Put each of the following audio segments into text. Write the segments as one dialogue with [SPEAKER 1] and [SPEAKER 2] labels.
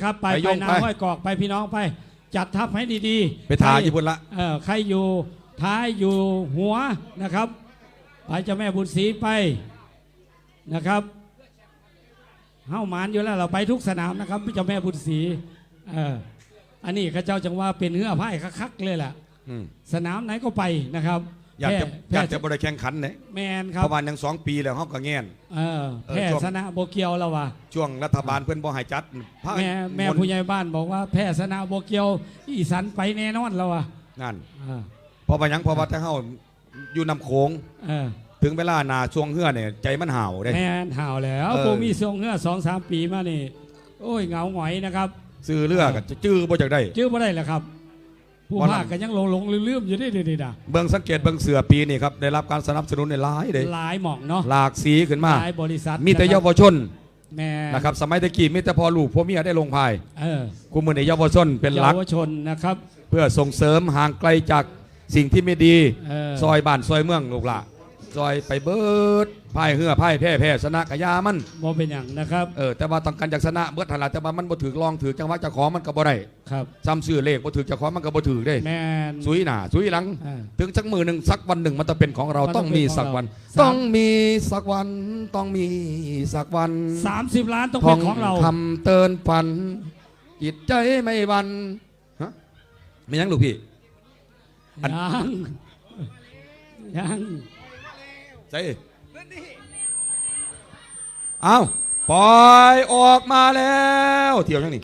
[SPEAKER 1] นะครับไปนาห้อยกอกไปพี่น้องไปจัดทัพให้ดีๆ
[SPEAKER 2] ไปถ่ายญี่ปุ่นละ
[SPEAKER 1] ใครอยู่ท้ายอยู่หัวนะครับไปเจ้าแม่บุญศรีไปนะครับเฮ้าหมานอยู่แล้วเราไปทุกสนามนะครับเจ้าแม่บุญศรีอันนี้ข้าเจ้าจังว่าเป็นเหื่อไพ่คักๆเลยแหละสนามไหนก็ไปนะครับ
[SPEAKER 2] อยากจะบริแข่งขันเนี่ย
[SPEAKER 1] แมนครับ
[SPEAKER 2] ประมาณยัง2 ปีแล้วเขาก็แง่น
[SPEAKER 1] แพ้ชนะโบเกียวแล้ววะ
[SPEAKER 2] ช่วงรัฐบาลเพื่อนบ่ให้จัด
[SPEAKER 1] แม่ผู้ใหญ่บ้านบอกว่าแพ้ชนะโบเกียวอีสันไปแน่นอนแล้ววะ
[SPEAKER 2] นั่นพอไปยังพอวัดถ้าเขาอยู่นำโขงถึงเวลานาช่วงเหื่อเนี่ยใจมันห่าวได้
[SPEAKER 1] แม่นห่าวแล้วโบมีช่วงเหื่อ2-3 ปีมานี่โอ้ยเหงาหงอยนะครับ
[SPEAKER 2] ซื้อเลือกจะจื้อบ่จากได้
[SPEAKER 1] จื้อบ่ได้แหละครับผู้ภาคกันยังหลงลืมอยู่ได้ดีๆนะ
[SPEAKER 2] เบื้องสังเกตเบื้องเสือปีนี่ครับได้รับการสนับสนุนในหลายเลย
[SPEAKER 1] หลายหม่องเนาะ
[SPEAKER 2] หลากสีขึ้นมา
[SPEAKER 1] หลายบริษัท
[SPEAKER 2] มีแต่เยาวชนนะครับสมัยตะกี้มีแต่พอลูกพ่อเมียได้ลงพายกูมือในเยาวชนเป็นหลัก
[SPEAKER 1] เยาวชนนะครับ
[SPEAKER 2] เพื่อส่งเสริมห่างไกลจากสิ่งที่ไม่ดีซอยบ้านซอยเมืองลูกหล่ะซอยไปเบิดไพ่เหื่อไพ่แพ้ชนะกะยามัน
[SPEAKER 1] บ่เป็นอย่างนะครับ
[SPEAKER 2] แต่ว่าต้องการจากชนะเบิดถนัดแต่ว่ามันบ่ถือลองถือจังหวะจะขอมันก็บ่ได้
[SPEAKER 1] ครับ
[SPEAKER 2] ซ้ำซื้อเลขบ่ถือจะขอมันก็บ่ถือได้
[SPEAKER 1] แม่น
[SPEAKER 2] สุยหน้าสุยหลังถึงสักมือหนึ่งสักวันหนึ่งมันจะเป็นของเราต้องมีสักวันต้องมีสักวันต้องมีสักวัน
[SPEAKER 1] 30 ล้านต้องเป็นของเรา
[SPEAKER 2] ทำเตือนฝันจิตใจไม่หวั่นฮะไม่ยังลูกพี่
[SPEAKER 1] ยัง
[SPEAKER 2] ใช่เอาปล่อยออกมาแล้วเที่ยวยังนี่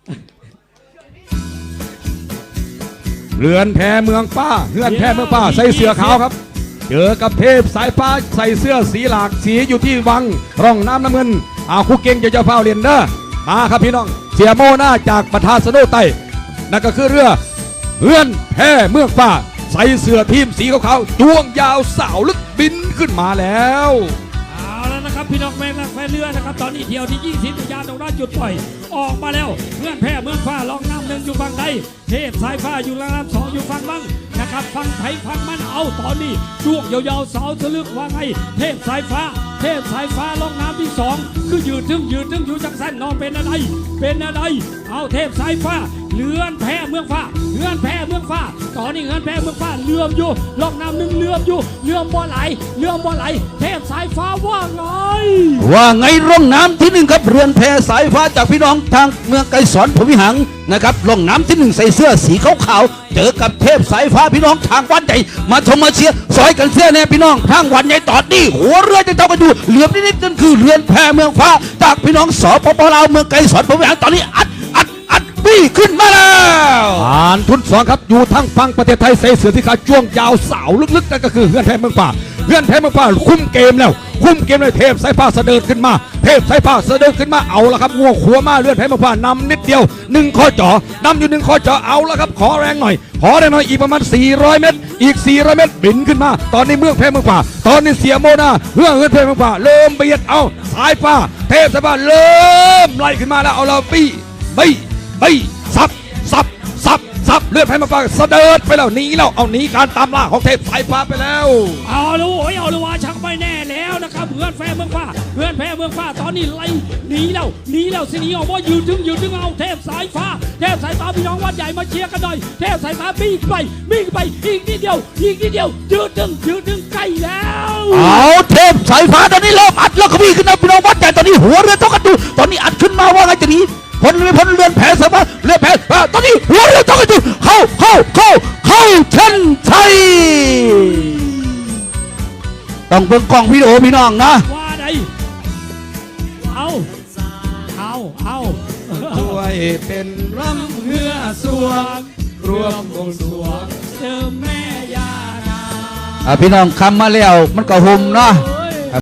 [SPEAKER 2] เรือนแพเมืองป้าเรือนแพเมืองป้าใส่เสื้อขาวครับเจอกับเทพสายฟ้าใส่เสื้อสีหลากสีอยู่ที่วังร่องน้ำน้ำเงินคู่เก่งจะเฝ้าเรียนเด้อมาครับพี่น้องเสียโมหน้าจากประธานสโนไตนั่นก็คือเรือเรือนแพเมืองป้าใส่เสื้อทีมสีขาวๆจ้วงยาวสาวลึกบินขึ้นมาแล้ว
[SPEAKER 1] เอาแล้วนะครับพี่น้องแม่งแฟนเรือนะครับตอนนี้เที่ยวที่20วิญญาณตรงด้านจุดปล่อยออกมาแล้วเพื่อนแพเมืองฟ้าลองน้ำ1อยู่ฝั่งใดเทพสายฟ้าอยู่ล่างน้ำ2อยู่ฝั่งบังนะครับฝั่งไทยฝั่งมันเอาตอนนี้จ้วงยาวๆสาวสลึกว่าไงเทพสายฟ้าลองน้ำที่2คือยืดถึงอยู่จังสันนอนเป็นอะไรเอาเทพสายฟ้าเรือนแพเมืองฟ้าตอนนี้เรือนแพเมืองฟ้าเลื่อมอยู่ลองน้ำ1เลื่อมอยู่เลื่อมบ่ไหลเทพสายฟ้าว่าไง
[SPEAKER 3] ร่องน้ำที่1ครับเรือนแพสายฟ้าจากพี่น้องทางเมืองไกรสอนพวิหังนะครับร่องน้ำที่1ใส่เสื้อสีขาวเจอกับเทพสายฟ้าพี่น้องทางวันใหญ่มาชมมาเชียร์ซอยกันเสื้อแน่พี่น้องทางวันใหญ่ตอนนี้หัวเรือจะเท่ากันอยู่เหลือบนิดนั่นคือเรือนแพเมืองฟ้าจากพี่น้องสปปลาวเมืองไกรสอนพวิหังตอนนี้อัดบี้ขึ้นมาแล้ว
[SPEAKER 2] ทุน2ครับอยู่ทั้งฝั่งประเทศไทยใส่เสื้อที่ขาจ้วงยาวสาวลึกๆนั่นก็คือเรือนแพเมืองฟ้าคุมเกมเลยเทพสายฟ้าเสด็จขึ้นมาเอาละครับง่วงขัวมาเรือนแพเมืองฟ้านำนิดเดียว1ข้อจ่อนำอยู่1ข้อจ่อเอาละครับขอแรงหน่อยอีกประมาณ400 เมตรอีก400 เมตรบินขึ้นมาตอนนี้เมืองแพเมืองฟ้าตอนนี้เสียโมนาเรือนแพเมืองฟ้าเริ่มเบียดเอาสายฟ้าเทพสายฟ้าเริ่มไล่ขึ้นมาแล้วเอาเราบี้ซับเลือดแพเมืองฟ้าเสด็จไปแล้วหนีการตามล่าของเทพสายฟ้าไปแล้ว
[SPEAKER 1] เอาเลยว่าชักไปแน่แล้วนะครับเรือนแพเมืองฟ้าตอนนี้ไล่หนีแล้วสิหนีออกว่ายืนถึงเอาเทพสายฟ้าพี่น้องวัดใหญ่มาเชียร์กันหน่อยเทพสายฟ้าบี้ไปอีกนิดเดียวยืนถึงใกล้แล้ว
[SPEAKER 3] เอาเทพสายฟ้าตอนนี้เริ่มอัดแล้วก็วิ่งขึ้นมาพี่น้องวัดใหญ่ตอนนี้หัวเรือต้องกันดูตอนนี้อัดขึ้นมาว่าไงจะหนีพ้นเรือนแพสมาเรือแพตอนนี้หัวเรือต้องกันดูเข้าเช่นชัยต้องเบิ่งกล้องวิดีโอพี่น้องนะ
[SPEAKER 1] ว่าไงเอา
[SPEAKER 2] ช่วยเป็นรำเฮือสวงรวมวงสวง
[SPEAKER 1] เจอแม่ยานา
[SPEAKER 3] พี่น้องคำมาแล้วมันก็หุ่มเนาะ